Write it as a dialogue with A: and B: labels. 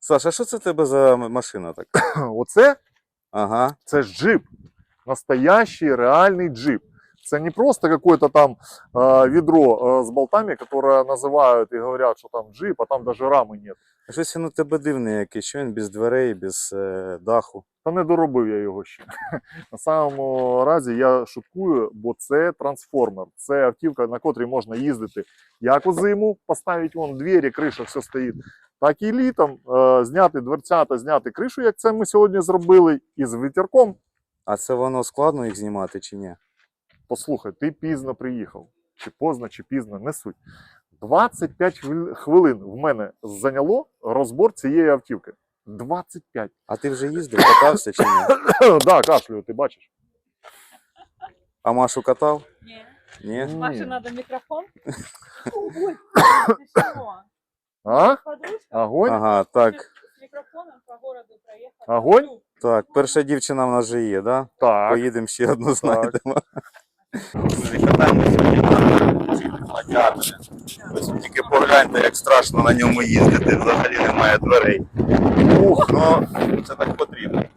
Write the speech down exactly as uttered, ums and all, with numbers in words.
A: Саша, що це в тебе за машина така?
B: Оце,
A: Ага.
B: це ж джип. Настоящий, реальний джип. Це не просто какое-то там э, ведро э, с болтами, которое называют и говорят, что там джип, а там даже рамы нет.
A: Щось він у тебе дивний якийсь, що він без дверей, без е, даху.
B: Та не доробив я його ще. На самому разі я шуткую, бо це трансформер. Це автівка, на котрій можна їздити як у зиму, поставити вон двері, криша, все стоїть, так і літом е, зняти дверцята, зняти кришу, як це ми сьогодні зробили, і з вітерком.
A: А це воно складно їх знімати чи ні?
B: Послухай, ти пізно приїхав. Чи поздно, чи пізно, не суть. двадцять п'ять хвилин в мене зайняло розбор цієї автівки. двадцять п'ять.
A: А ти вже їздив, катався чи ні?
B: Так, да, кашлюю, ти бачиш.
A: А Машу катав?
C: Не.
A: Ні?
C: Маше надо микрофон. Ой, ты что?
B: А?
C: Подружка
B: Огонь?
A: Ага, так.
C: с микрофоном по городу проехала.
B: Огонь?
A: Так, перша дівчина в нас вже є, да?
B: Так.
A: Поїдемо ще одну
B: Так.
A: знайдемо. Катаємо сьогодні на цих гладіаторах. Ось тільки погляньте, як страшно на ньому їздити, взагалі немає дверей. Ух, ну це так потрібно.